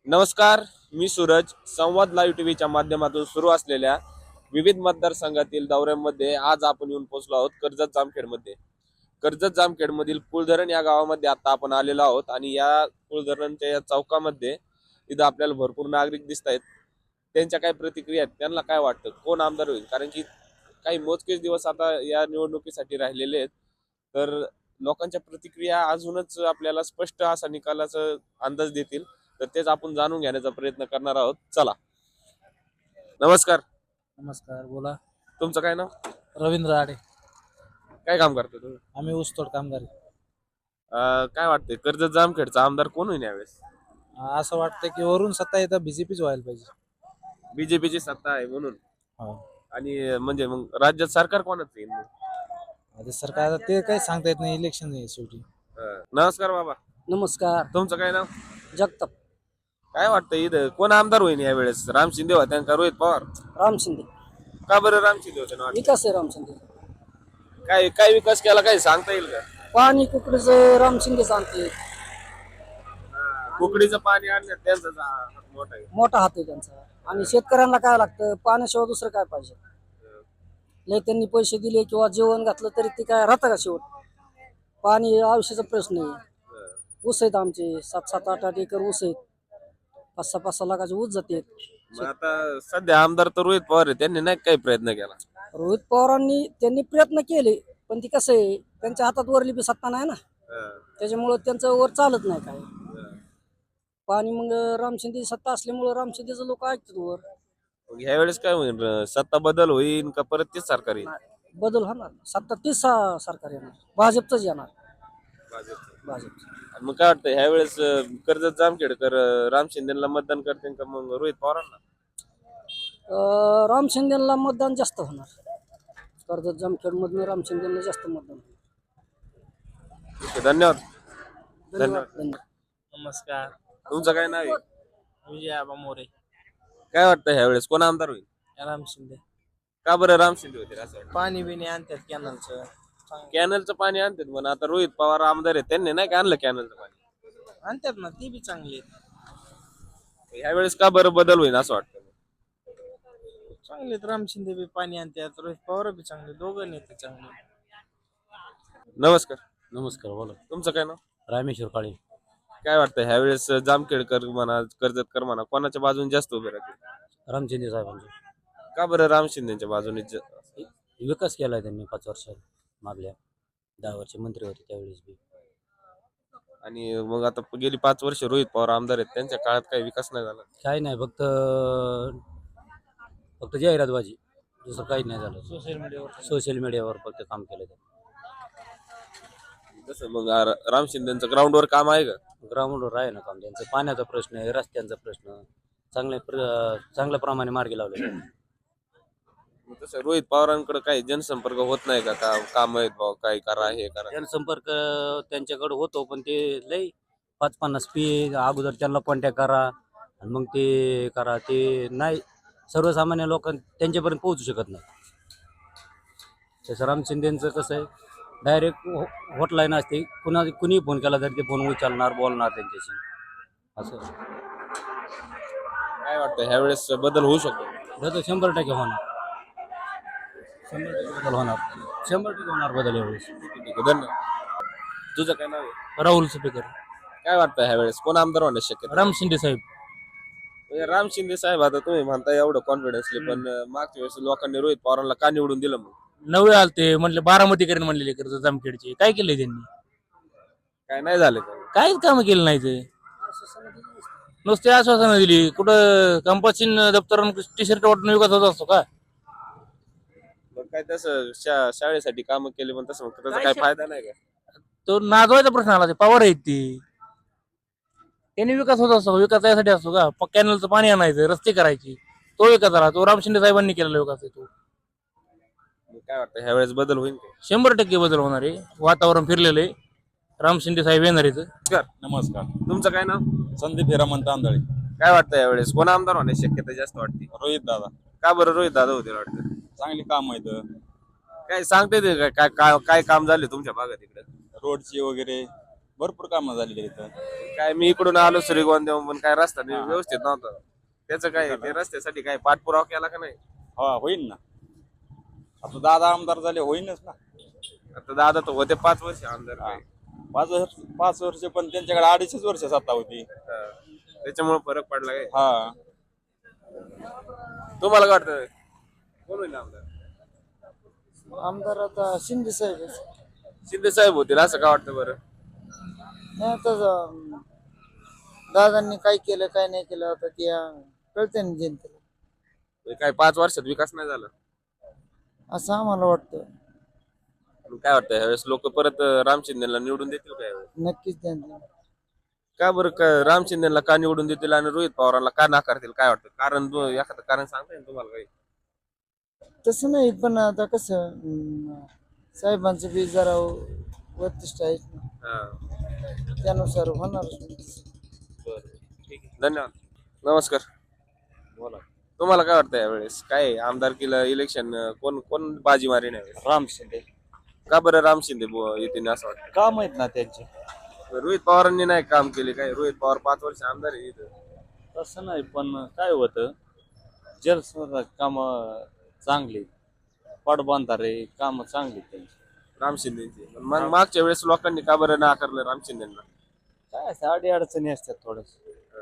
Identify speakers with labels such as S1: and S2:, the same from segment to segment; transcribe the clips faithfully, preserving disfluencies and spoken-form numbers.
S1: नमस्कार, मी सूरज. संवाद लाईव्ह टीव्हीच्या माध्यमातून सुरू असलेल्या विविध मतदारसंघातील दौऱ्यांमध्ये आज आपण येऊन पोहोचलो आहोत कर्जत जामखेडमध्ये. कर्जत जामखेडमधील कुळधरण या गावामध्ये आता आपण आलेलो आहोत आणि या कुळधरणच्या या चौकामध्ये इथं आपल्याला भरपूर नागरिक दिसत आहेत. त्यांच्या काय प्रतिक्रिया आहेत, त्यांना काय वाटतं कोण आमदार होईल, कारण की काही मोजकेच दिवस आता या निवडणुकीसाठी राहिलेले आहेत. तर लोकांच्या प्रतिक्रिया अजूनच आपल्याला स्पष्ट असा निकालाचा अंदाज देतील. तर तेच आपण जाणून घेण्याचा प्रयत्न करणार आहोत. चला. नमस्कार.
S2: नमस्कार, बोला.
S1: तुमचं काय नाव?
S2: रवींद्र आडे.
S1: काय काम करता तुम्ही?
S2: आम्ही ऊसतोड कामगार.
S1: अं, काय वाटतंय कर्जत जामखेडचा आमदार कोण होईल यावेळेस?
S2: असं वाटतं की वरून सत्ता येतं बीजेपीच व्हायला पाहिजे.
S1: बीजेपीची सत्ता आहे म्हणून.
S2: हो.
S1: आणि म्हणजे मग राज्यात सरकार कोणाचं येईल मग?
S2: आता सरकार ते काही सांगता येत नाही, इलेक्शन आहे शेवटी.
S1: अं, नमस्कार बाबा.
S2: नमस्कार.
S1: तुमचं काय नाव?
S2: जगताप.
S1: काय वाटतं इथं कोण आमदार होईल यावेळेस? राम शिंदे होते का रोहित पवार?
S2: राम शिंदे.
S1: का बरं राम शिंदे होते ना वाटतं?
S2: विकास आहे राम शिंदे.
S1: काय काय विकास केला काही सांगता येईल का?
S2: पाणी कुकडीचं राम शिंदे सांगते.
S1: कुकडीचं पाणी आणण्यात त्यांचा हात मोठा आहे.
S2: मोठा हात आहे त्यांचा. आणि शेतकऱ्यांना काय लागतं, पाण्याशिवाय दुसरं काय पाहिजे. लय त्यांनी पैसे दिले किंवा जेवण घातलं तरी ते काय राहतं का शेवट. पाणी आयुष्याचा प्रश्न आहे. ऊस आहेत आमचे सात सात आठ आठ एकर ऊस आहेत. पाच सहा पाच सहा लाखाचे ऊस जाते.
S1: मग आता सध्या आमदार तर रोहित पवार आहे, त्यांनी नाही काही प्रयत्न केला.
S2: रोहित पवारांनी त्यांनी प्रयत्न केले, पण ती कसं आहे, त्यांच्या हातात वरली बी सत्ता नाही ना, त्याच्यामुळं त्यांचं वर चालत नाही काय. पाणी मग राम शिंदे सत्ता असल्यामुळं राम शिंदेचं लोक ऐकतात वर.
S1: मग ह्या वेळेस काय होईल? सत्ता बदल होईल का परत तेच सरकार येईल?
S2: बदल होणार. सत्ता तीस सा- सरकार येणार, भाजपचंच येणार. भाजप.
S1: आणि मग काय वाटतं ह्या वेळेस कर्जत जामखेडकर राम शिंदेला मतदान करतील का मग रोहित पवारांना?
S2: अं, राम शिंदेला मतदान जास्त होणार. कर्जत जामखेड मधनं राम शिंदेला जास्त मतदान होणार.
S1: ठीक आहे, धन्यवाद.
S2: धन्यवाद. धन्यवाद.
S3: नमस्कार.
S1: तुमचं काय नाव आहे?
S3: विजय आबा मोरे.
S1: काय वाटतं ह्या वेळेस कोण आमदार होईल?
S3: राम शिंदे.
S1: का बरं राम शिंदे होते असं वाटतं?
S3: पाणी बिणी आणतात कॅनलचं.
S1: कॅनलचं पाणी आणतात पण आता रोहित पवार आमदार आहेत, त्यांनी नाही का आणलं कॅनलचं पाणी?
S3: आणतात ना, ती बी चांगली आहेत.
S1: ह्या वेळेस का बरं बदल होईल असं वाटतं?
S3: चांगले आहेत. राम शिंदे बी पाणी आणतात, रोहित पवार बी चांगले, दोघं नेते चांगले.
S1: नमस्कार.
S4: नमस्कार, बोला.
S1: तुमचं काय नाव?
S4: रामेश्वर काळे.
S1: काय वाटतं ह्या वेळेस जामखेडकर म्हणा कर्जतकर म्हणा कोणाच्या बाजूने जास्त उभे राहतील?
S4: रामचंद्र साहेबांचा
S1: का बरं राम शिंदेच्या बाजूने ज-
S4: विकास केलाय त्यांनी पाच वर्षात. मागल्या दहा वर्ष मंत्री होते त्यावेळेस बी.
S1: आणि मग आता गेली पाच वर्ष रोहित पवार आमदार आहेत, त्यांच्या काळात काही विकास नाही झाला.
S4: काही नाही, फक्त फक्त जाहिरातबाजी, दुसरं काही नाही झालं.
S3: सोशल मीडियावर
S4: सोशल मीडियावर फक्त काम केलं त्यांनी.
S1: तसं मग आ- राम शिंदेचं ग्राउंडवर काम आहे का?
S4: ग्राउंडवर आहे ना काम त्यांचं. पाण्याचा प्रश्न आहे, रस्त्यांचा प्रश्न चांगल्या प्र चांगल्या प्रमाणे मार्गी लावले.
S1: मग तसं रोहित पवारांकडे काही जनसंपर्क होत नाही का? का काम आहेत भाऊ, काय करा हे करा?
S4: जनसंपर्क त्यांच्याकडे होतो, पण ते लई पाच पन्नास पी अगोदर त्यांना कॉन्टॅक्ट करा आणि मग ते करा, ते नाही सर्वसामान्य लोक त्यांच्यापर्यंत पोहोचू शकत नाही. तसं राम शिंदेचं कसं आहे, डायरेक्ट हॉटलाईन असते, कुणा कुणी फोन केला तरी ते फोन उचलणार, बोलणार त्यांच्याशी. असं
S1: काय वाटतं ह्या वेळेस बदल होऊ शकतो?
S4: बदल शंभर टक्के होणार. शंभर टक्के बदल होणार. शंभर टक्के होणार बदल यावेळेस.
S1: ठीक आहे, धन्यवाद. तुझं काय नाव आहे?
S4: राहुल स्पीकर.
S1: काय वाटतं ह्या वेळेस कोण आमदार होण्याची शक्यता?
S4: राम शिंदे साहेब.
S1: म्हणजे राम शिंदे साहेब, आता तुम्ही म्हणता एवढं कॉन्फिडन्सली, पण मागच्या वेळेस लोकांनी रोहित पवारांना का निवडून दिलं मग?
S5: नवे आलते म्हणले बारामती करेन म्हणलेले कर्ज जामखेडचे. काय केलंय त्यांनी?
S1: काय नाही झालं का?
S5: काहीच काम केलं नाही ते. नुसते आश्वासनं दिली. कुठं कंपासीन दप्तर टी शर्ट वाटून विकास होत असतो का?
S1: मग काय तसं शा- शाळेसाठी काम केले पण तसं मग त्याचा काय फायदा नाही का?
S5: तो नाजवायचा प्रश्न आला. ते पवार आहेत ती. त्यांनी विकास होत असतो. विकास यासाठी असतो का? कॅनलचं पाणी आणायचं, रस्ते करायची, तो विकास झाला. तो राम शिंदे साहेबांनी केलेला विकास आहे तो.
S1: मग काय वाटतं ह्या वेळेस बदल होईल का?
S5: शंभर टक्के बदल होणार आहे. वातावरण फिरलेलं आहे. राम शिंदे साहेब येणार आहेत.
S1: नमस्कार.
S6: नमस्कार.
S1: तुमचं काय नाव?
S6: संदीप हिरामन तांदळे.
S1: काय वाटतं यावेळेस कोण आमदार होण्याची शक्यता जास्त वाटते?
S6: रोहित दादा.
S1: का बरं रोहित दादा होते वाटतं?
S6: चांगली काम आहेत.
S1: काय सांगते ते काय काय काय काय काम झाले तुमच्या भागात इकडे?
S6: रोडची वगैरे भरपूर कामं झालेली इथं.
S1: काय मी इकडून आलो श्रीगोंद पण काय रस्ता
S6: हा.
S1: व्यवस्थित नव्हता. त्याचं काय ते रस्त्यासाठी काय पाठपुरावा केला का नाही?
S6: हा होईल ना. आता दादा आमदार झाले होईनच ना.
S1: आता दादा तर होते पाच वर्ष आमदार
S6: हा.
S1: काय.
S6: पाच वर्ष पाच वर्ष पण त्यांच्याकडे अडीचच वर्ष सत्ता होती.
S1: हा. त्याच्यामुळे फरक पडला काय?
S6: हा
S1: तुम्हाला काय वाटतं कोण होईल आमदार?
S3: आमदार आता शिंदे साहेब
S1: शिंदे साहेब होतील असं का वाटतं बरं?
S3: नाही आता दादांनी काय केलं काय नाही केलं आता ते कळते ना जनतेला,
S1: म्हणजे काय पाच वर्षात विकास नाही झाला?
S3: असं आम्हाला वाटतं.
S1: मग काय वाटतं ह्यावेळेस लोक परत राम शिंदेला निवडून देतील काय?
S3: नक्कीच त्यांचं
S1: का बरं का राम शिंदेला का निवडून देतील आणि रोहित पवारांना का नाकारतील काय वाटतं? कारण दो- एखादं कारण सांगता येईल तुम्हाला काही?
S3: तसं नाही, पण आता कसं अं, साहेबांचं बी जरा वरिष्ठ आहेत ना,
S1: हा.
S3: त्यानुसार होणार.
S1: बरं. ठीक आहे. धन्यवाद. नमस्कार. बोला. तुम्हाला काय वाटतं यावेळेस काय आहे? आमदारकीला इलेक्शन कोण कोण बाजी मारेन यावेळेस?
S7: राम शिंदे.
S1: का बरं राम शिंदे बु- येतील असं वाटतं?
S7: काम आहेत ना त्यांचे.
S1: रोहित पवारांनी नाही काम केले काय? रोहित पवार पाच वर्ष आमदार आहे इथं.
S7: तसं नाही, पण काय होतं, जल काम चांगली, पाटबंधारे काम चांगली त्यांची.
S1: राम शिंदेची. पण मग मागच्या वेळेस लोकांनी का बरं नाकारलं राम शिंदेना?
S7: काय असं अडी अडचणी असतात थोडस.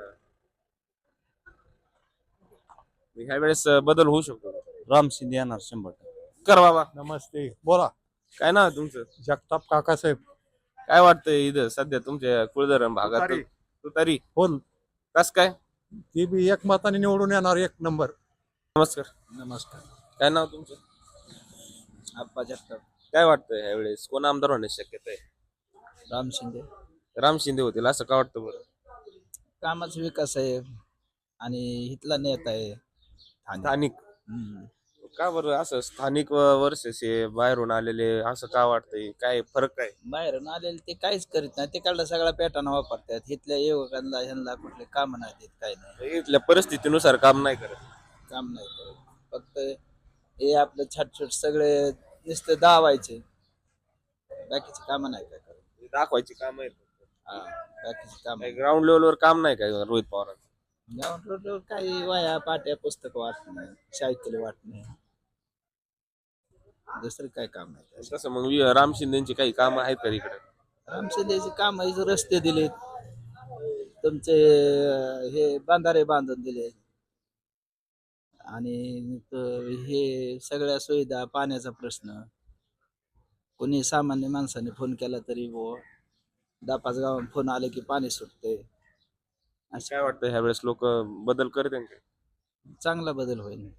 S1: ह्या वेळेस बदल होऊ शकतो.
S7: राम शिंदे येणार शंभर टक्के.
S1: कर बाबा.
S8: नमस्ते, बोला.
S1: काय नाव आहे तुमचं?
S8: जगताप काकासाहेब.
S1: काय वाटतंय इथं सध्या तुमच्या कुळधरण भागात?
S8: तुतारी.
S1: तुतारी
S8: हो,
S1: कस काय?
S8: ती बी एक मताने निवडून येणार, एक नंबर.
S1: नमस्कार.
S8: नमस्कार.
S1: काय नाव तुमचं?
S3: आप्पा जगताप.
S1: काय वाटतंय ह्या वेळेस कोण आमदार होण्याची शक्यता आहे?
S3: राम शिंदे.
S1: राम शिंदे होतील असं का वाटतं बरं?
S3: कामाचा विकास आहे आणि इथला नेता आहे.
S1: स्थानिक.
S3: हम्म.
S1: का बरं असं स्थानिक वर्सेस बाहेरून आलेले असं का वाटतंय? काय फरक काय?
S3: बाहेरून आलेले ते काहीच करीत नाही, तिकडला सगळा पॅटर्न वापरतात. इथल्या युवकांना ह्यांना कुठले काम नाही देत, काय नाही,
S1: इथल्या परिस्थितीनुसार काम नाही करत.
S3: काम नाही करत. फक्त हे आपलं छाटछूट सगळे नुसते दावायचे, बाकीचे काम नाही काय करत.
S1: दाखवायची काम आहेत.
S3: हा, बाकीचे काम
S1: ग्राउंड लेवलवर काम नाही काय रोहित पवारांचं?
S3: ग्राउंड रोडवर काही वया पाट्या पुस्तक वाटणे, सायकल वाटणे, दुसरं काय काम नाही.
S1: तसं मग वि- राम शिंदेची काही काम आहेत का इकडे?
S3: राम शिंदेचे काम आहे, जे रस्ते दिलेत, तुमचे अं, हे बांधारे बांधून दिले, आणि त- हे सगळ्या सुविधा, पाण्याचा प्रश्न, कोणी सामान्य माणसाने फोन केला तरी वो दहा पाच गावात फोन आले की पाणी सुटते.
S1: काय वाटतं ह्या वेळेस लोक बदल करते का?
S3: चांगला बदल होईल.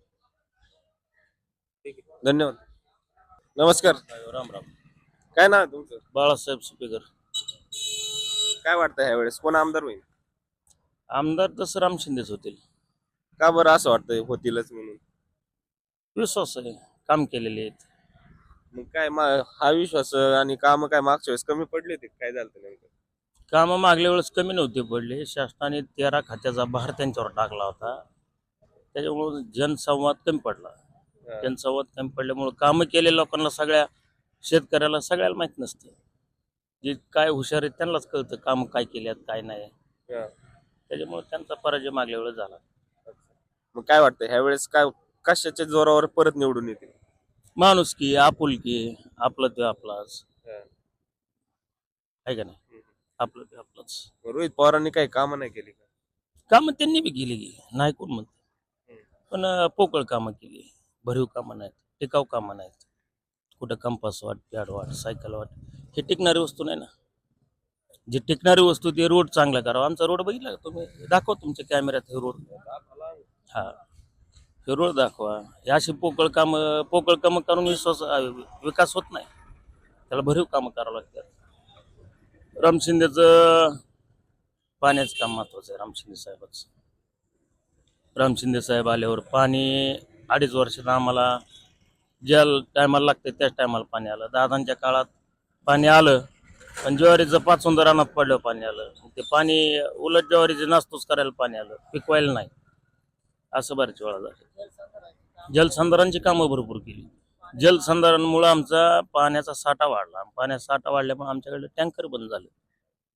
S1: धन्यवाद. नमस्कार.
S7: राम राम.
S1: काय नाव आहे तुमचं?
S7: बाळासाहेब सुपेकर.
S1: काय वाटतं ह्या वेळेस कोण आमदार होईल?
S7: आमदार तसं राम शिंदेच होतील.
S1: का बरं असं वाटतंय होतीलच म्हणून?
S7: विश्वास आहे, काम केलेले आहेत.
S1: मग काय मा- हा विश्वास आणि काम काय मागच्या वेळेस कमी पडले होते? काय झालं होतं नेमकं?
S7: कामं मागल्या वेळेस कमी नव्हते पडले. शासनाने तेरा खात्याचा भार त्यांच्यावर टाकला होता, त्याच्यामुळे जनसंवाद कमी पडला. जनसंवाद कमी पडल्यामुळे कामं केलेल्या लोकांना, सगळ्या शेतकऱ्याला सगळ्याला माहित नसते. जे काय हुशार आहेत त्यांनाच कळतं काम काय केल्यात काय नाही.
S1: हा.
S7: त्याच्यामुळे त्यांचा पराजय मागल्या वेळेस झाला.
S1: मग काय वाटतं ह्या वेळेस काय कशाच्या जोरावर परत निवडून येतील?
S7: माणुसकी, आपुलकी, आपलं ते आपलाच
S1: हा.
S7: आहे का नाही, आपलं ते आपलंच.
S1: रोहित पवारांनी काही कामं नाही केली का?
S7: कामं त्यांनी बी केलेली नाही कोण म्हणते, पण अं, पोकळ कामं केली, भरीव कामं नाहीत, टिकाऊ कामं नाहीत. कुठं कंपास वाट, पॅड वाट, सायकल वाट, हे टिकणारी वस्तू नाही ना. जी टिकणारी वस्तू ते रोड चांगला करावा. आमचा रोड बघितला का तुम्ही? दाखवा तुमच्या कॅमेऱ्यात हे रोड. हा, हे रोड दाखवा. हे अशी पोकळ कामं पोकळ कामं करून विश्वास विकास होत नाही. त्याला भरीव कामं करावं लागतात. राम शिंदेचं पाण्याचं काम महत्वाचं आहे. राम शिंदे साहेबाचं. राम शिंदे साहेब आल्यावर पाणी अडीच वर्षात आम्हाला ज्या टायमाला लागते त्याच टायमाला पाणी आलं. दादांच्या काळात पाणी आलं, पण ज्वारीचं पाचुंद रानात पडलं पाणी आलं. ते पाणी उलट ज्वारीचे नास्तूच करायला पाणी आलं, पिकवायला नाही. असं बऱ्याच वेळा झालं. जलसंधारणची कामं भरपूर केली. जलसंधारणमुळं आमचा पाण्याचा साठा वाढला. पाण्याचा साठा वाढल्यामुळे आमच्याकडे टँकर बंद झाले.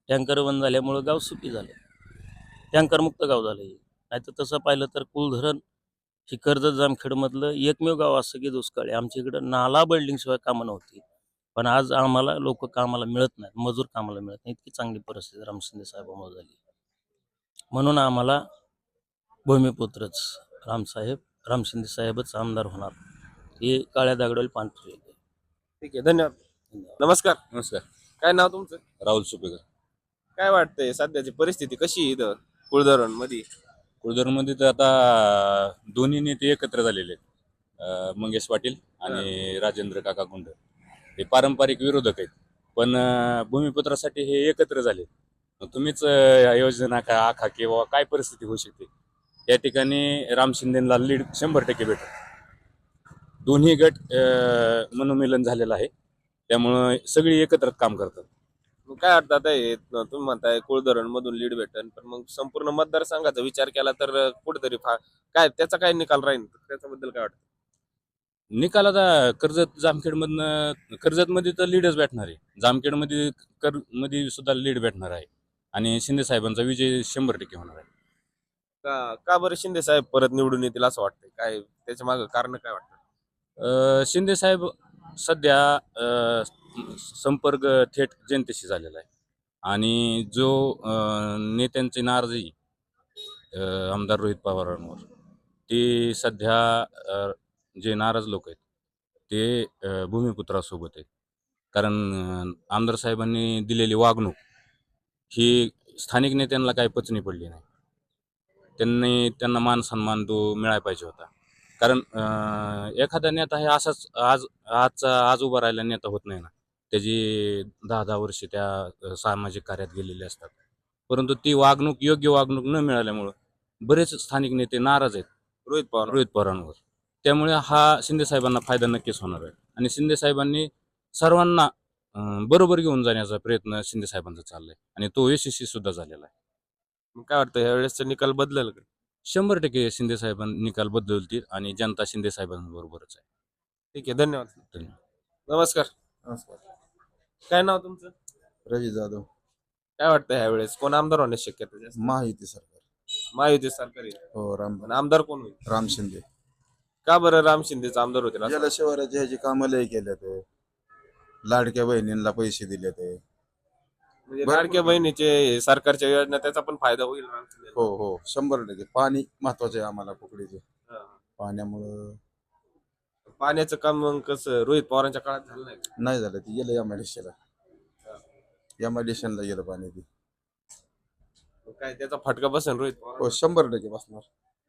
S7: टँकर बंद झाल्यामुळं गाव सुखी झालं, टँकरमुक्त गाव झालं हे. नाही तर तसं पाहिलं तर कुलधरण ही कर्जत जामखेडमधलं एकमेव गाव असं की दुष्काळी. आमच्या इकडं नाला बिल्डिंगशिवाय कामं नव्हती, पण आज आम्हाला लोक कामाला मिळत नाहीत, मजूर कामाला मिळत नाही. इतकी चांगली परिस्थिती राम शिंदे साहेबांमुळे झाली. म्हणून आम्हाला भूमिपुत्रच रामसाहेब राम शिंदे साहेबच आमदार होणार, हे काळ्या दगडाला पांढरे.
S1: ठीक आहे, धन्यवाद. नमस्कार.
S6: नमस्कार.
S1: काय नाव तुमचं?
S6: राहुल सुपेकर.
S1: काय वाटतंय सध्याची परिस्थिती कशी आहे इथं कुळधरण मध्ये?
S6: कुळधरमध्ये तर आता दोन्ही नेते एकत्र झालेले आहेत. अं, मंगेश पाटील आणि राजेंद्र काका गुंड हे पारंपरिक विरोधक आहेत, पण अं, भूमिपुत्रासाठी हे एकत्र झाले. मग तुम्हीच अं, योजना का आखा किंवा काय परिस्थिती होऊ शकते या ठिकाणी. राम शिंदेला लीड शंभर टक्के भेटत. दोन्ही गट अं, मनोमिलन झालेलं आहे, त्यामुळं सगळी एकत्र काम करतात.
S1: मग काय वाटतं आता हे तुम्ही म्हणताय कुळधरण मधून लीड भेटन, पण मग संपूर्ण मतदारसंघाचा विचार केला तर कुठेतरी फा- काय त्याचा काय निकाल राहील त्याच्याबद्दल काय वाटतं?
S6: निकाल आता कर्जत जामखेडमधनं कर्जतमध्ये तर लीडच भेटणार आहे, जामखेडमध्ये कर मध्ये सुद्धा लीड भेटणार आहे आणि शिंदे साहेबांचा विजय शंभर टक्के होणार आहे.
S1: का का बरं शिंदे साहेब परत निवडून येतील असं वाटतंय? काय त्याच्या मागं कारण काय वाटतं?
S6: अं, शिंदे साहेब सध्या अं, संपर्क थेट जनतेशी झालेला आहे आणि जो अं, नेत्यांची नाराजी अं, आमदार रोहित पवारांवर, ते सध्या अं, जे नाराज लोक आहेत ते अं, भूमिपुत्रासोबत आहेत. कारण अं, आमदार साहेबांनी दिलेली वागणूक ही स्थानिक नेत्यांना काही पचनी पडली नाही. त्यांनी त्यांना मान सन्मान तो मिळायला पाहिजे होता. कारण अं, एखादा नेता हे असाच आज आजचा आज उभा राहिला नेता होत नाही ना. त्याची दहा दहा वर्षे त्या अं, सामाजिक कार्यात गेलेले असतात, परंतु ती वागणूक योग्य वागणूक न मिळाल्यामुळं बरेच स्थानिक नेते नाराज आहेत
S1: रोहित पवार.
S6: रोहित पवारांवर. त्यामुळे हा शिंदे साहेबांना फायदा नक्कीच होणार आहे आणि शिंदे साहेबांनी सर्वांना अं, बरोबर घेऊन जाण्याचा प्रयत्न शिंदे साहेबांचा चाललाय आणि तो यशस्वी सुद्धा झालेला आहे.
S1: मग काय वाटतं ह्या वेळेसचा निकाल बदलेल का?
S6: शंभर टक्के शिंदे साहेबांनी निकाल बदलतील आणि जनता शिंदे साहेबांबरोबरच आहे.
S1: ठीक आहे, धन्यवाद.
S6: धन्यवाद.
S1: नमस्कार.
S9: नमस्कार.
S1: काय नाव तुमचं?
S9: रवी जाधव.
S1: काय वाटतं ह्या वेळेस कोण आमदार होण्याची शक्यता जास्त?
S9: महायुती सरकार.
S1: महायुती सरकार येईल.
S9: हो राम
S1: आणि आमदार कोण होईल?
S9: राम शिंदे.
S1: का बरं राम शिंदेचा आमदार होतील असं?
S9: गेल्या शिवाराचे ह्याची कामं लय केले ते, लाडक्या बहिणींना पैसे दिले ते.
S1: म्हणजे
S9: बरं.
S1: लाडक्या बहिणीचे सरकारच्या योजना त्याचा पण फायदा होईल राम शिंदेला.
S9: हो हो शंभर टक्के. पाणी महत्वाचे आहे आम्हाला कुकडीचे.
S1: हा.
S9: पाण्यामुळं
S1: पाण्याचं काम मग कसं रोहित पवारांच्या काळात झालं नाही का?
S9: नाही झालं, ते गेलं एमआयडीसीला. एमआयडीसीला गेलं पाणी ते.
S1: मग काय त्याचा फटका बसेल रोहित पवार?
S9: हो शंभर टक्के बसणार.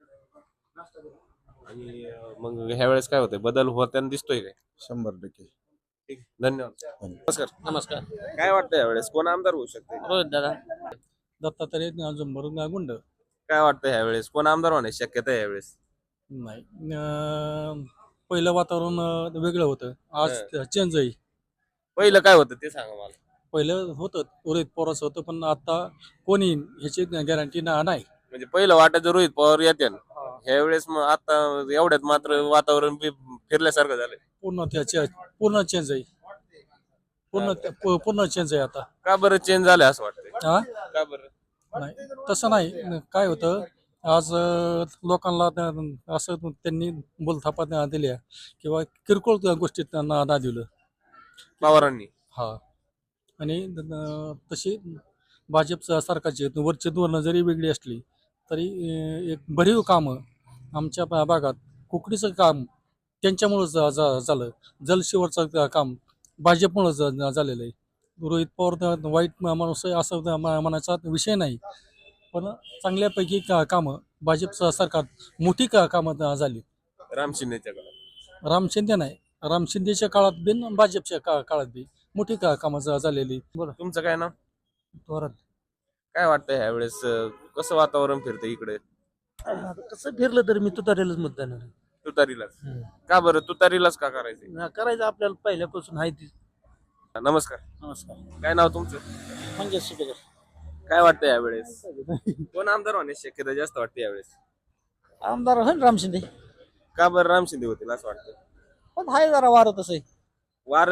S1: आणि अं, मग ह्या वेळेस काय होतंय, बदल होताना दिसतोय काय?
S9: शंभर टक्के.
S1: ठीक, धन्यवाद.
S9: धन्यवाद.
S1: नमस्कार.
S5: नमस्कार.
S1: काय वाटतं यावेळेस कोण आमदार होऊ शकते?
S5: रोहित दादा. दत्तात्रय जुंबर गुंड.
S1: काय वाटतं ह्या वेळेस कोण आमदार होण्याची शक्यता आहे यावेळेस?
S5: नाही अं, पहिलं वातावरण अं, वेगळं होतं, आज चेंज आहे.
S1: पहिलं काय होतं ते सांगा मला.
S5: पहिलं होतं रोहित पवारचं होतं, पण आता कोणी ह्याची गॅरंटी नाही.
S1: म्हणजे पहिलं वाटायचं रोहित पवार येते ह्या वेळेस मग आता एवढ्यात मात्र वातावरण बी फिरल्यासारखं झालंय.
S5: पूर्ण त्याचे पूर्ण चेंज आहे. पूर्ण पू- पूर्ण चेंज आहे आता.
S1: का बरं चेंज झालंय असं वाटतंय?
S5: हा
S1: का बरं?
S5: नाही तसं नाही. काय होतं आज अं, लोकांना त्या- असं त्यांनी बोलथापा त्या दिल्या किंवा किरकोळ त्या गोष्टीत त्यांना ना दिलं.
S1: पवारांनी
S5: हा आणि अं, तशी भाजप स- सरकारची वरची धोरणं जरी वेगळी असली तरी अं, एक भरीव कामं आमच्या भा- भागात कुकडीचं काम त्यांच्यामुळं झा- झा- झालं. जलशिवरचं का- काम भाजपमुळं झ- झालेलं आहे. रोहित पवार तर वाईट मा- माणूस आहे असं त्या मा- म्हणायचा विषय नाही, पण चांगल्यापैकी का कामं भाजप स- सरकार मोठी का कामं झा- झाली.
S1: राम शिंदेच्या काळात.
S5: राम शिंदे नाही, राम शिंदेच्या काळात बी न भाजपच्या का काळात बी मोठी का कामं झा- झालेली. बरं
S1: तुमचं काय नाव?
S5: थोरात.
S1: काय वाटतं ह्या वेळेस कसं वातावरण फिरतं इकडे?
S10: कसं फिरलं तरी मी तुतारीलाच मतदान आहे.
S1: तुतारीलाच. का बरं तुतारीलाच का करायचं?
S10: ना करायचं आपल्याला पहिल्यापासून आहे ती.
S1: नमस्कार.
S10: नमस्कार.
S1: काय नाव तुमचं?
S10: मंगेश सुपेकर.
S1: काय वाटतं यावेळेस कोण आमदार होण्याची शक्यता जास्त वाटते यावेळेस?
S10: आमदार होईल राम शिंदे,
S1: का बरं राम शिंदे होतील असं वाटतं?
S10: पण आहे जरा वारं तसं आहे.
S1: वार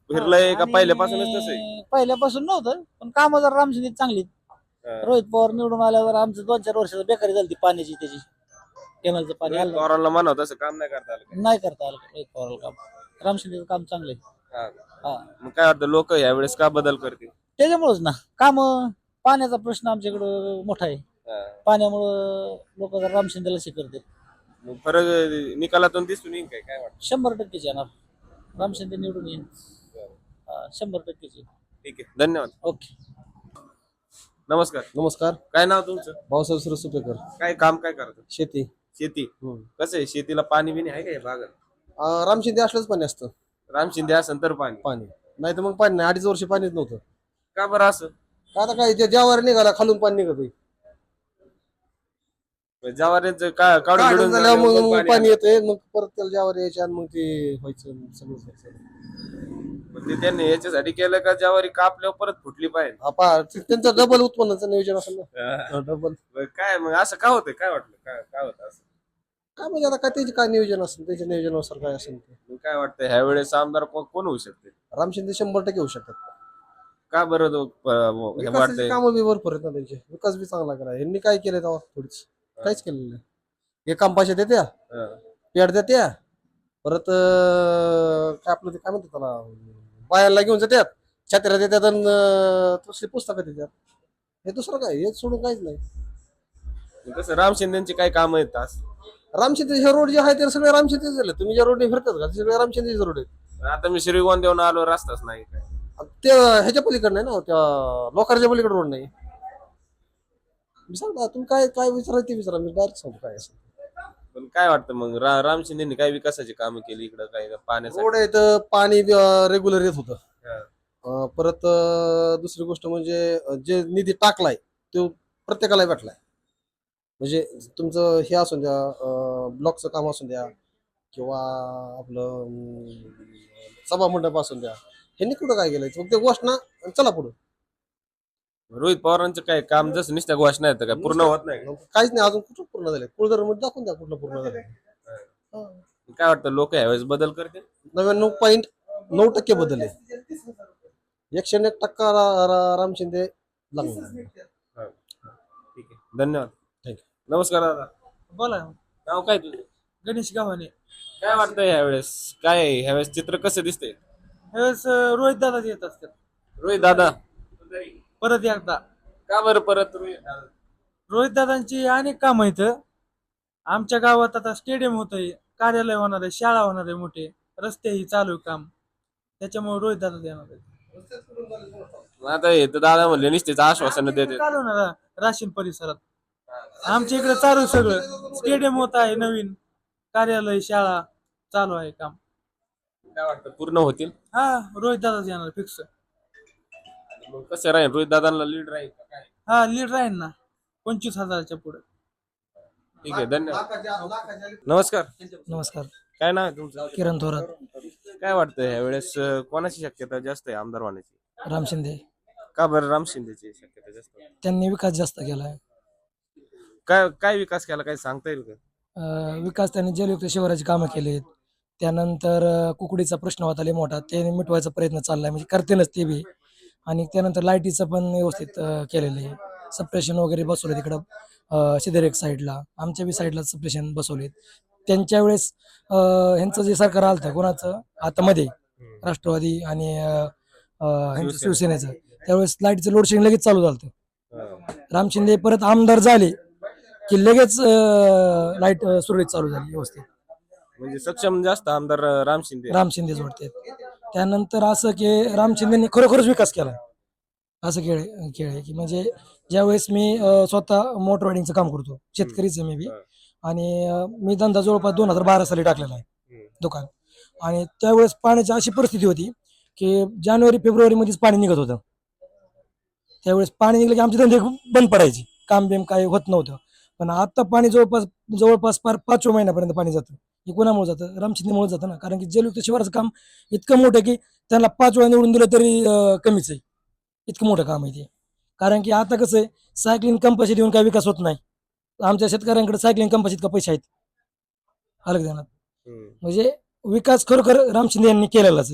S1: फिरलंय का
S10: आणि
S1: पहिल्यापासूनच तसं आहे?
S10: पहिल्यापासून नव्हतं पण कामं जरा रामशिंदे चांगली
S1: हा.
S10: रोहित पवार निवडून आल्यावर आमचं दोन चार वर्षाचं बेकारी झाली पाण्याची त्याची केनालचं पाणी
S1: रोहित
S10: आलं
S1: पवारांना म्हणा तसं काम नाही करता आलं का?
S10: नाही करता आलं रोहित पवारला काम रामशिंदेचं काम चांगलं आहे
S1: हा.
S10: हा
S1: मग काय वाटतं लोक यावेळेस का बदल करतील?
S10: त्याच्यामुळेच ना काम पाण्याचा प्रश्न आमच्याकडं मोठा आहे
S1: हा.
S10: पाण्यामुळं लोक जरा रामशिंदेला शिकरते
S1: मग फरक निकालातून दिसून येईल काय काय वाटतं?
S10: शंभर टक्केच येणार रामशिंदे निवडून येईल हा, शंभर टक्केच येईल
S1: ठीक आहे, धन्यवाद.
S10: ओके
S1: नमस्कार.
S11: नमस्कार.
S1: काय नाव तुमचं?
S11: भाऊसाहेब सुपेकर.
S1: काय काम काय करतात?
S11: शेती.
S1: शेती. कसं आहे शेतीला पाणी बिणी आहे का या भागात?
S11: अं, रामशिंदे असलंच पाणी असतं.
S1: राम शिंदे असेल तर पाणी.
S11: पाणी नाही तर मग पाणी नाही. अडीच वर्ष पाणीच नव्हतं.
S1: का बरं असं?
S11: का आता काय ज्यावर निघाला खालून पाणी निघत
S1: जवारीचं का काढून बिढून
S11: झाल्यावर मग
S1: झाल्यावर
S11: मग
S1: पाणी
S11: पाणी येतंय मग परत त्याला ज्यावर यायचे आणि मग ते व्हायचं सगळं व्हायचं.
S1: मग ते त्यांनी याच्यासाठी केलं का ज्वारी कापल्यावर परत फुटली पाहिजे?
S11: हा, पहा, ते- त्यांचं डबल उत्पन्नाचं नियोजन असेल ना. डबल
S1: मग काय मग असं का होतं? काय वाटलं काय काय होतं असं?
S11: काय म्हणजे आता काय त्याचे काय नियोजन असेल त्याच्या नियोजनानुसार काय असेल ते.
S1: मग काय वाटतं ह्या वेळेस आमदार को- कोण होऊ शकते?
S11: रामशिंदे शंभर टक्के होऊ शकतात.
S1: का बरं तो, प- हे
S11: विकासाची
S1: वाटतंय?
S11: कामं बी भरपूर आहेत ना त्यांचे. विकास बी चांगला करा. यांनी काय केलंय तेव्हा थोडीच काहीच केलेलं नाही. हे काम पैसे देत्या
S1: हा.
S11: पेड देत्या परत अं, काय आपलं ते काय म्हणतात त्याला बायाला घेऊन जात्यात छत्र्या देतात आणि अं, तसली पुस्तकं देतात. हे दुसरं काय हे सोडून काहीच नाही.
S1: मग कसं राम शिंदेची काय काम आहेत आज?
S11: रामशिंदे हे रोड जे आहे ते सगळे रामशिंदेच झाले. तुम्ही ज्या रोडने फिरतात का ते सगळे रामशिंदेचे रोड आहेत.
S1: आता मी श्रीगोंद देऊन आलो, रस्ताच नाही काय.
S11: ते ह्याच्या पलीकडे नाही ना त्या लोकांच्या पलीकडे रोड नाही. मी सांगता तुम्ही काय काय विचारा ते विचारा मी डायरेक्ट सांगतो काय असं.
S1: पण काय वाटतं मग रा- राम शिंदेनी काय विकासाची कामं केली इकडं काय पाण्यासाठी?
S11: रोड आहे तर पाणी रेग्युलर येत होतं.
S1: हा.
S11: अं, परत अं, दुसरी गोष्ट म्हणजे अं, जे निधी टाकलाय तो प्रत्येकाला भेटलाय. म्हणजे तुमचं हे असून द्या ब्लॉकचं काम असून द्या किंवा आपलं अं, सभा मंडप असून द्या ह्यांनी कुठं काय केलंय फक्त घोषणा आणि चला पुढं.
S1: रोहित पवारांचं काय काम जसं नुसत्या घोषणा येतं काय पूर्ण होत नाही का?
S11: काहीच नाही अजून कुठं पूर्ण झाले. कुळधर मध्ये दाखवून द्या कुठलं पूर्ण झालं.
S1: काय वाटतं लोक यावेळेस बदल करतील?
S11: नव्याण्णव पॉईंट नऊ टक्के बदलले. एकशे एक टक्का रा- रा- राम शिंदे लागणार.
S1: ठीक आहे, धन्यवाद.
S11: थँक्यू.
S1: नमस्कार दादा.
S10: बोला
S1: नाव काय तुझं?
S10: गणेश गावाने
S1: काय वाटतं ह्यावेळेस काय ह्यावेळेस चित्र कसं दिसतंय?
S10: ह्यावेळेस रोहित दादा येत असतात
S1: रोहित दादा.
S10: परत एकदा
S1: का बरं परत रोहित दादा?
S10: रोहित दादांची अनेक कामं आहेत आमच्या गावात. आता स्टेडियम होत आहे, कार्यालय होणार आहे, शाळा होणार आहे, मोठे रस्तेही चालू आहे काम, त्याच्यामुळे रोहित दादा येणार आहे.
S1: आता हे तर दादा म्हणले निश्चित आश्वासन देते.
S10: चालू होणार आहे राशीन परिसरात. आमच्या इकडे चालू आहे सगळं. स्टेडियम होत आहे, नवीन कार्यालय, शाळा चालू आहे काम.
S1: काय वाटतं पूर्ण होतील?
S10: हा रोहित दादाच येणार फिक्स.
S1: मग कसं राहील रोहित दादांना लीड राहील का काय?
S10: हा लीड राहील ना पंचवीस हजाराच्या पुढे.
S1: ठीक आहे, धन्यवाद. नमस्कार.
S2: नमस्कार.
S1: काय नाव आहे तुमचं?
S2: किरण थोरात.
S1: काय वाटतं ह्यावेळेस अं, कोणाची शक्यता जास्त आहे आमदार होण्याची?
S2: राम शिंदे.
S1: का बरं राम शिंदेची शक्यता जास्त आहे?
S2: त्यांनी विकास जास्त केलाय.
S1: काय काय विकास केला काय सांगता येईल का?
S2: अं, विकास त्यांनी जलयुक्त शिवाराची कामं केलीत. त्यानंतर अं, कुकडीचा प्रश्न होता लय मोठा ते मिटवायचा प्रयत्न चाललाय म्हणजे करतेनच ते बी. आणि त्यानंतर लाईटीचं पण व्यवस्थित अं, केलेलं आहे. सप्रेशन वगैरे बसवले तिकडं सिद्धर एक साईडला आमच्या बी साईडला सप्रेशन बसवलेत. त्यांच्या वेळेस अं, ह्यांचं जे सरकार आलं होतं कोणाचं आता मध्ये राष्ट्रवादी आणि अं, अं, ह्यांचं शिवसेनेचं त्यावेळेस लाईटचं लोड शेडिंग लगेच चालू झालं होतं. राम शिंदे परत आमदार झाले की लगेच लाईट सुरळीत चालू झाली व्यवस्थित.
S1: म्हणजे सक्षम जास्त आमदार अं, राम शिंदे.
S2: राम शिंदे जोडते. त्यानंतर असं की राम शिंदेनी खरोखरच विकास केला असं खेळ खेळ आहे की म्हणजे ज्यावेळेस मी अं, स्वतः मोटर रायडिंगचं काम करतो शेतकरीचं मी बी. आणि अं, मी धंदा जवळपास दोन हजार बारा साली टाकलेला आहे दुकान. आणि त्यावेळेस पाण्याची अशी परिस्थिती होती की जानेवारी फेब्रुवारी मध्येच पाणी निघत होतं. त्यावेळेस पाणी निघलं की आमचे धंदे बंद पडायचे, काम बिम काय होत नव्हतं. पण आता पाणी जवळपास जवळपास पार पाचव्या महिन्यापर्यंत पाणी जातं. हे कोणामुळे जातं? राम शिंदेमुळे जातं ना. कारण की जलयुक्त शिवाराचं काम इतकं मोठं आहे की त्यांना पाच वेळा निवडून दिलं तरी अं, कमीच आहे. इतकं मोठं काम आहे ते. कारण की आता कसं आहे सायकलिंग कंपल्सरी देऊन काय विकास होत नाही. आमच्या शेतकऱ्यांकडे सायकलिंग कंपल्सरी इतका पैसे आहेत अलग देणार. म्हणजे विकास खरोखर राम शिंदे यांनी केलेलाच आहे.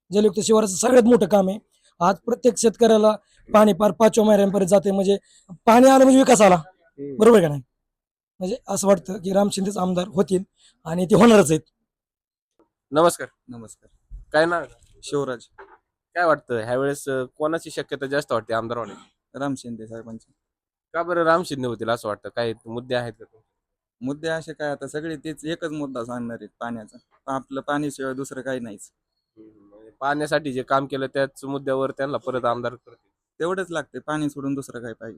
S2: जलयुक्त शिवाराचं सगळ्यात मोठं काम आहे. आज प्रत्येक शेतकऱ्याला पाणी पार पाचव्या महिन्यांपर्यंत जाते, म्हणजे पाणी आलं म्हणजे विकास आला. बरोबर का नाही? म्हणजे असं वाटतं की राम शिंदेच आमदार होतील आणि ते होणारच आहेत.
S1: नमस्कार.
S3: नमस्कार.
S1: काय ना
S3: शिवराज
S1: काय वाटतं ह्यावेळेस अं, कोणाची शक्यता जास्त वाटते आमदार होण्याची?
S3: राम शिंदे साहेबांचे
S1: का बरं राम शिंदे होतील असं वाटतं? काय मुद्दे आहेत का?
S3: मुद्दे असे काय, आता सगळे तेच एकच मुद्दा सांगणार आहेत पाण्याचा. आपलं पाणीशिवाय दुसरं काही नाहीच.
S1: म्हणजे पाण्यासाठी जे काम केलं त्याच मुद्द्यावर त्यांना परत आमदार करतील.
S3: तेवढंच लागते, पाणी सोडून दुसरं काय पाहिजे.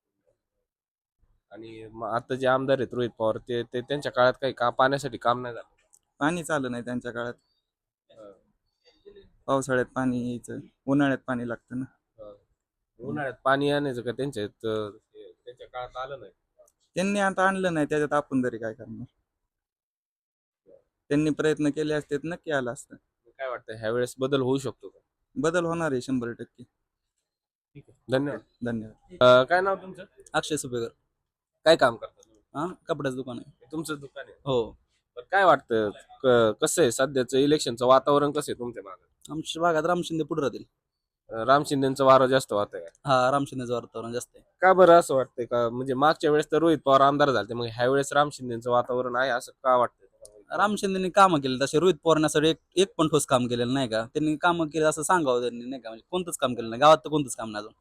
S1: आणि मग आता जे आमदार आहेत रोहित पवार ते ते त्यांच्या काळात काही का पाण्यासाठी काम नाही झालं.
S3: पाणी आलं नाही त्यांच्या काळात. पावसाळ्यात पाणी यायचं, उन्हाळ्यात पाणी लागतं ना.
S1: उन्हाळ्यात पाणी आणायचं का त्यांच्या इथं, ते- त्यांच्या काळात आलं नाही.
S3: त्यांनी आता आणलं नाही, त्याच्यात आपण तरी काय करणार. त्यांनी प्रयत्न केले असते तर नक्की आलं असतं.
S1: काय वाटतं ह्यावेळेस बदल होऊ शकतो का?
S3: बदल होणार आहे शंभर टक्के.
S1: धन्यवाद.
S3: धन्यवाद.
S1: अं, काय नाव तुमचं?
S3: अक्षय सुपेकर.
S1: काय काम करता तुम्ही?
S3: हा, कपड्याचं दुकान आहे.
S1: तुमचं दुकान आहे.
S3: हो.
S1: तर काय वाटतं क- कसं आहे सध्याचं इलेक्शनचं वातावरण कसं आहे तुमच्या भागात?
S3: आमच्या भागात राम शिंदे पुढे राहतील.
S1: अं, राम शिंदेचं वारं जास्त वाटत आहे.
S3: हा, राम शिंदेचं वातावरण जास्त आहे.
S1: का बरं असं वाटतंय? का म्हणजे मागच्या वेळेस तर रोहित पवार आमदार झाले, मग ह्या वेळेस राम शिंदेचं वातावरण आहे असं का वाटतंय?
S3: राम शिंदेनी कामं केली तसे रोहित पवारण्यासाठी एक एक पण ठोस काम केलेलं नाही का. त्यांनी कामं केली असं सांगावं त्यांनी, नाही का. म्हणजे कोणतंच काम केलं नाही गावात, तर कोणतंच काम नाही अजून.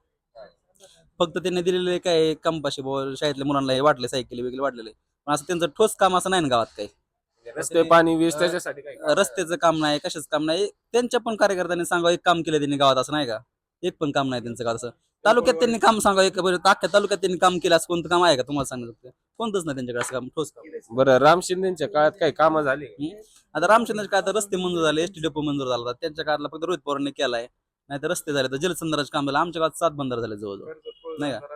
S3: फक्त त्यांनी दिलेले काय कंपाशी बॉल शाळेतल्या मुलांना हे वाटले, सायकली वगैरे वाटलेले, पण असं त्यांचं ठोस काम असं नाही ना गावात काही.
S1: रस्ते पाणी वीज त्याच्यासाठी काय?
S3: रस्त्याचं काम नाही, कशाच काम नाही. त्यांच्या पण कार्यकर्त्यांनी सांगावं एक काम केलं त्यांनी गावात, असं नाही का. एक पण काम नाही त्यांचं गावात. असं तालुक्यात त्यांनी काम सांगावं, एक बरं अख्ख्या तालुक्यात त्यांनी काम केलं असं कोणतं काम आहे का तुम्हाला सांगू शकतो? कोणतंच नाही त्यांच्याकडे असं काम, ठोस काम.
S1: बरं राम शिंदेच्या काळात काही कामं झाली?
S3: आता रामचंद्रच्या काळात रस्ते मंजूर झाले, एसटी डेपो मंजूर झाला होता. त्यांच्या काळातला फक्त रोहित पवारांनी केलाय. नाही तर रस्ते झाले, तर जलसंधाराचं काम झालं. आमच्या गावात सात बंधारे झाले जवळजवळ, नाही का.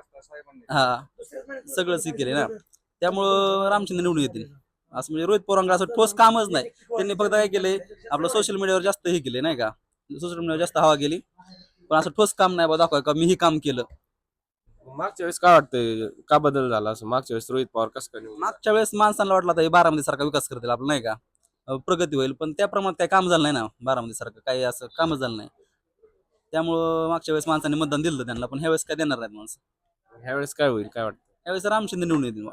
S3: हा, सगळंच हे केले ना. त्यामुळं रामचंद्र निवडून येतील असं. म्हणजे रोहित पवारांकडे असं ठोस कामच नाही. त्यांनी फक्त काय केलंय, आपलं सोशल मीडियावर जास्त हे केले, नाही का. सोशल मीडियावर जास्त हवा गेली, पण असं ठोस काम नाही बा दाखवा का मी ही काम केलं.
S1: मागच्या वेळेस काय वाटतंय का बदल झाला असं? मागच्या वेळेस रोहित पवार कसं काय निवडून?
S3: मागच्या वेळेस माणसांना वाटलं आता बारामती सारखा विकास करतील आपलं, नाही का. अं, प्रगती होईल, पण त्या प्रमाणात काही काम झालं नाही ना. बारामती सारखं काही असं कामच झालं नाही. त्यामुळं मागच्या वेळेस माणसांनी मतदान दिलं होतं त्यांना, पण ह्या वेळेस काय देणार नाहीत माणसं.
S1: ह्या वेळेस काय होईल काय वाटतं?
S3: यावेळेस राम शिंदे निवडून येतील बा.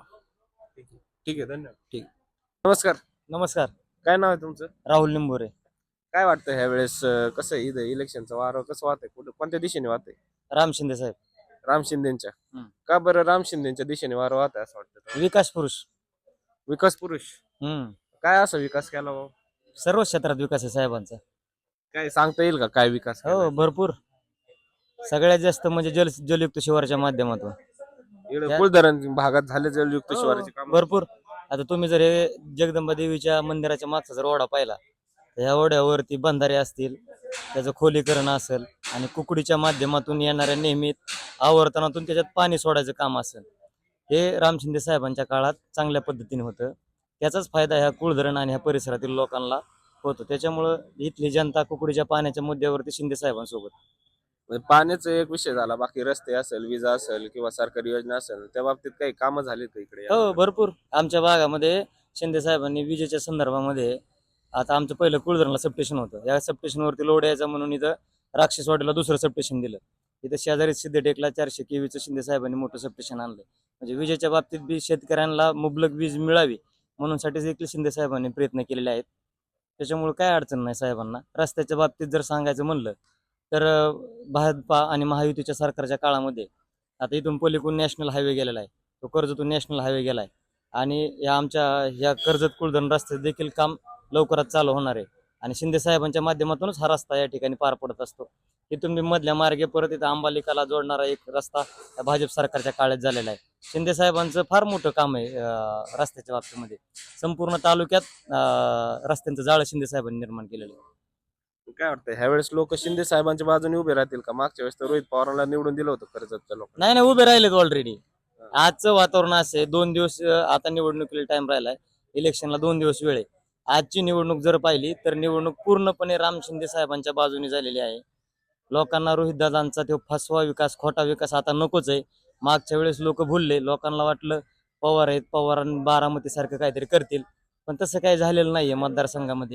S1: ठीक आहे, धन्यवाद.
S3: ठीक.
S1: नमस्कार.
S10: नमस्कार.
S1: काय नाव आहे तुमचं?
S10: राहुल निंबोरे.
S1: काय वाटतं ह्या वेळेस कसं आहे इथं इलेक्शनचं वारं कसं वाहतंय? कुठं कोणत्या दिशेने वाहतंय?
S10: राम शिंदे साहेब.
S1: राम शिंदेच्या.
S10: हम्म.
S1: का बरं राम शिंदेच्या दिशेने वारं वाहतंय असं वाटतं?
S10: विकास पुरुष.
S1: विकास पुरुष.
S10: हम्म.
S1: काय असा विकास केला हो?
S10: सर्व क्षेत्रात विकास आहे साहेबांचा.
S1: काय सांगता येईल का काय विकास केलाय?
S10: हो, भरपूर. सगळ्यात जास्त म्हणजे जल जलयुक्त शिवारच्या माध्यमातून
S1: इकडे कुलधरण भागात झाले जलयुक्त
S10: हो,
S1: शिवाराचे काम.
S10: भरपूर. आता तुम्ही जर हे जगदंबा देवीच्या मंदिराच्या मागचा जर ओढा पाहिला, तर ह्या ओढ्यावरती बंधारे असतील, त्याचं खोलीकरण असेल, आणि कुकडीच्या माध्यमातून येणाऱ्या नियमित आवर्तनातून त्याच्यात पाणी सोडायचं काम असेल, हे राम शिंदे साहेबांच्या काळात चांगल्या पद्धतीने होतं. त्याचाच फायदा ह्या कुळधरण आणि ह्या परिसरातील लोकांना होतो. त्याच्यामुळं इथली जनता कुकडीच्या पाण्याच्या मुद्द्यावरती शिंदे साहेबांसोबत.
S1: म्हणजे पाण्याचा एक विषय झाला, बाकी रस्ते असेल, विजा असेल किंवा सरकारी योजना असेल, त्या बाबतीत काही कामं झालीत का इकडे?
S10: हो, भरपूर. आमच्या भागामध्ये शिंदे साहेबांनी विजेच्या संदर्भामध्ये, आता आमचं पहिलं कुळधरणला सबस्टेशन होतं. या सबस्टेशनवरती लोड यायचा म्हणून इथं राक्षसवाडीला दुसरं सबस्टेशन दिलं. इथं शेजारी सिद्धटेकला चारशे केवीचं शिंदे साहेबांनी मोठं सबस्टेशन आणलं. म्हणजे विजेच्या बाबतीत बी शेतकऱ्यांना मुबलक वीज मिळावी म्हणून साठी देखील शिंदे साहेबांनी प्रयत्न केलेले आहेत. त्याच्यामुळे काय अडचण नाही साहेबांना. रस्त्याच्या बाबतीत जर सांगायचं म्हणलं तर अं, भाजपा आणि महायुतीच्या सरकारच्या काळामध्ये आता इथून पलीकडून नॅशनल हायवे गेलेला आहे, तो कर्जतून नॅशनल हायवे गेला आहे, आणि या आमच्या ह्या कर्जत कुळधरण रस्त्याचं देखील काम लवकरात चालू होणार आहे. आणि शिंदे साहेबांच्या माध्यमातूनच हा रस्ता या ठिकाणी पार पडत असतो. इथून मी मधल्या मार्गे परत इथं अंबालिकाला जोडणारा एक रस्ता या भाजप सरकारच्या काळात झालेला आहे. शिंदे साहेबांचं फार मोठं काम आहे अं, रस्त्याच्या बाबतीमध्ये. संपूर्ण तालुक्यात अं, रस्त्यांचं जाळं शिंदे साहेबांनी निर्माण केलेलं आहे.
S1: काय वाटतं ह्यावेळेस लोक शिंदे साहेबांच्या बाजूने उभे राहतील का? मागच्या वेळेस तर रोहित पवारांना निवडून दिलं होतं कर्जतच्या लोकांना.
S10: नाही नाही, उभे राहिलेत ऑलरेडी. आजचं वातावरण असं आहे, दोन दिवस अं, आता निवडणुकीला टाइम राहिलाय, इलेक्शनला दोन दिवस वेळ आहे. आजची निवडणूक जर पाहिली तर निवडणूक पूर्णपणे राम शिंदे साहेबांच्या बाजूने झालेली आहे. लोकांना रोहितदादांचा तो फसवा विकास, खोटा विकास आता नकोच आहे. मागच्या वेळेस लोक भुलले, लोकांना वाटलं पवार आहेत, पवारांनी बारामती सारखं काहीतरी करतील, पण तसं काही झालेलं नाहीये मतदारसंघामध्ये.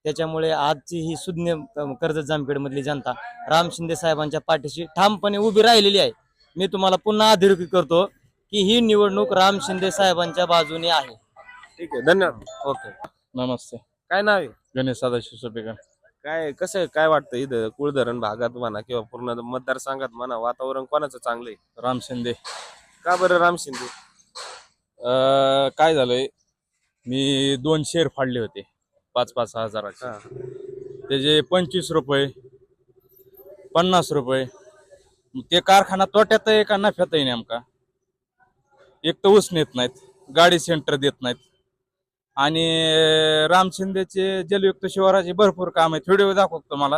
S10: त्याच्यामुळे आजची ही सुज्ञ अं, कर्जत जामखेडमधली जनता राम शिंदे साहेबांच्या पाठीशी ठामपणे उभी राहिलेली आहे. मी तुम्हाला पुन्हा अधोरेखित करतो की ही निवडणूक राम शिंदे साहेबांच्या बाजूने आहे.
S1: ठीक आहे, धन्यवाद.
S10: ओके.
S6: नमस्ते.
S1: काय नाव आहे?
S6: गणेश सदाशिव सोपेकर.
S1: काय कसं आहे, काय वाटतं इथं कुळधरण भागात म्हणा किंवा पूर्ण मतदारसंघात म्हणा वातावरण कोणाचं चांगलं आहे?
S6: राम शिंदे.
S1: का बरं राम शिंदे?
S6: अं, काय झालंय, मी दोन शेअर फाडले होते पाच पाच हजाराचे.
S1: हा.
S6: त्याचे पंचवीस रुपये पन्नास रुपये ते कारखाना तोट्यात आहे का नफ्यात आहे नेमका? एक तर ऊस नेत नाहीत, गाडी सेंटर देत नाहीत, आणि राम शिंदेचे जलयुक्त शिवाराचे भरपूर काम आहेत. व्हिडिओ दाखवतो मला.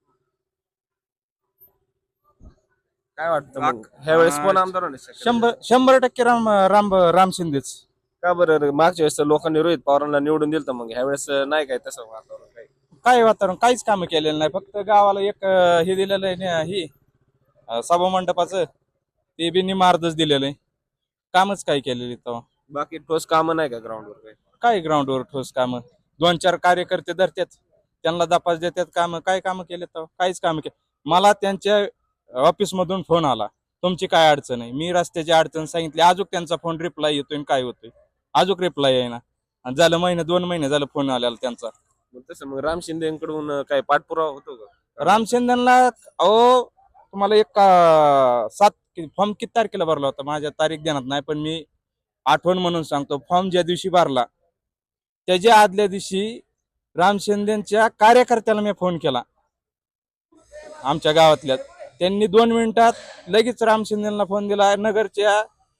S1: काय वाटतं मग ह्या वेळेस कोण आमदार होण्याची शक्यता आहे?
S6: शंभर शंभर टक्के राम राम राम शिंदेच.
S1: का बरं मागच्या वेळेस तर लोकांनी रोहित पवारांना निवडून दिलं मग ह्या वेळेस नाही काय तसं वातावरण काही?
S6: काय वातावरण, काहीच काम केलेलं नाही. फक्त गावाला एक अं, हे दिलेलं आहे ना, ही अं, सभा मंडपाचं, ते बी निमार्दच दिलेलं आहे. कामच काय केलेली तेव्हा.
S1: बाकी ठोस कामं नाही का ग्राउंडवर काही?
S6: काय ग्राउंडवर ठोस कामं? दोन चार कार्यकर्ते धरतात, त्यांना दपास देतात. कामं काय कामं केले तेव्हा? काहीच कामं केले. मला त्यांच्या ऑफिसमधून फोन आला, तुमची काय अडचण आहे? मी रस्त्याची अडचण सांगितली. अजून त्यांचा फोन रिप्लाय येतोय आणि काय होतोय, अजून रिप्लाय आहे ना. आणि झालं महिने दोन महिने झालं फोन आलेला त्यांचा.
S1: मग तसं मग राम शिंदेकडून काय पाठपुरावा होतो का?
S6: राम शिंदेला अहो तुम्हाला एक अं, सात फॉर्म किती तारखेला भरला होता, माझ्या तारीख देण्यात नाही, पण मी आठवण म्हणून सांगतो. फॉर्म ज्या दिवशी भरला त्याच्या आदल्या दिवशी राम शिंदेच्या कार्यकर्त्याला मी फोन केला आमच्या गावातल्या. त्यांनी दोन मिनिटात लगेच राम शिंदेला फोन दिला. नगरच्या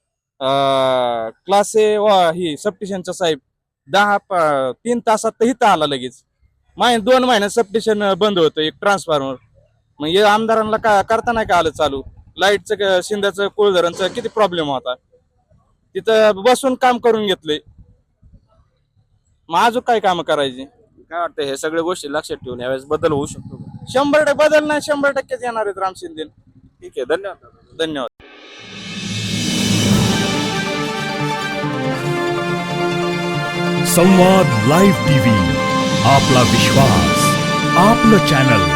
S6: क्लास ए ही सबस्टेशनचा साहेब दहा प- तीन तासात तर इथं आला लगेच. माय दोन महिन्यात सबस्टेशन बंद होतं एक ट्रान्सफॉर्मर. मग हे आमदारांना का करता नाही का आलं चालू? लाईटचं शिंद्याचं कुळधरणचं किती प्रॉब्लेम होता, तिथं बसून काम करून घेतले. मग अजून काय काम करायची?
S1: काय वाटतं हे सगळ्या गोष्टी लक्षात ठेवून यावेळेस बदल होऊ शकतो का?
S6: शंभर टक्के बदल नाही, शंभर टक्केच येणार आहेत राम शिंदे.
S1: ठीक आहे, धन्यवाद.
S6: धन्यवाद.
S12: संवाद लाईव्ह टीव्ही, आपला विश्वास, आपलं चॅनल.